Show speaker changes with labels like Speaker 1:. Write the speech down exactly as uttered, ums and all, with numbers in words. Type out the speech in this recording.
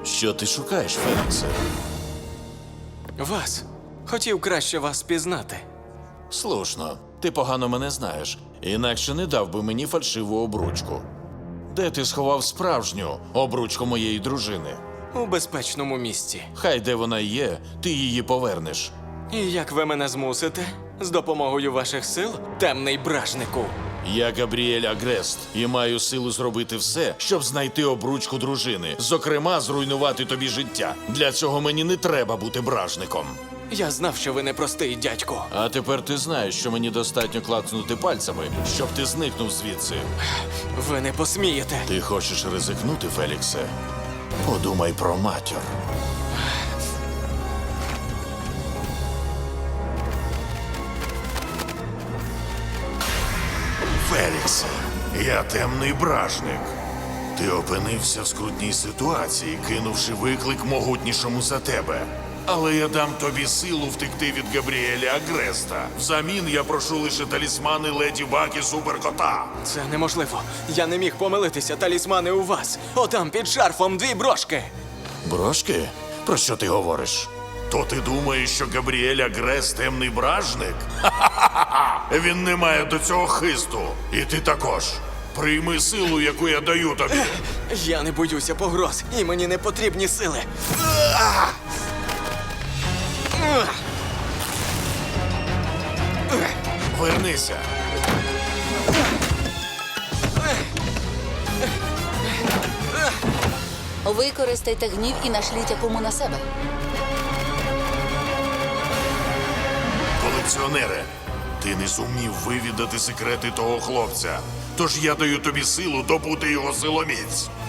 Speaker 1: Що ти шукаєш, Феліксе?
Speaker 2: Вас. Хотів краще вас пізнати.
Speaker 1: Слушно, ти погано мене знаєш, інакше не дав би мені фальшиву обручку. Де ти сховав справжню обручку моєї дружини?
Speaker 2: У безпечному місці.
Speaker 1: Хай де вона є, ти її повернеш.
Speaker 2: І як ви мене змусите? З допомогою ваших сил, темний бражнику.
Speaker 1: Я Габріель Агрест і маю силу зробити все, щоб знайти обручку дружини. Зокрема, зруйнувати тобі життя. Для цього мені не треба бути бражником.
Speaker 2: Я знав, що ви непростий дядько.
Speaker 1: А тепер ти знаєш, що мені достатньо клацнути пальцями, щоб ти зникнув звідси.
Speaker 2: Ви не посмієте.
Speaker 1: Ти хочеш ризикнути, Феліксе? Подумай про матір.
Speaker 3: Феліксе, я темний бражник. Ти опинився в скрутній ситуації, кинувши виклик могутнішому за тебе. Але я дам тобі силу втекти від Габріеля Агреста. Взамін я прошу лише талісмани Леді Баг і Суперкота.
Speaker 2: Це неможливо. Я не міг помилитися. Талісмани у вас. Отам під шарфом дві брошки.
Speaker 1: Брошки? Про що ти говориш?
Speaker 3: То ти думаєш, що Габріель Агрест темний бражник? Ха-ха-ха! Він не має до цього хисту. І ти також. Прийми силу, яку я даю тобі.
Speaker 2: Я не боюся погроз, і мені не потрібні сили.
Speaker 3: Вернися.
Speaker 4: Використайте гнів і нашліть якому на себе.
Speaker 3: Колекціонере, ти не зумів вивідати секрети того хлопця. Тож я даю тобі силу добути його силоміць.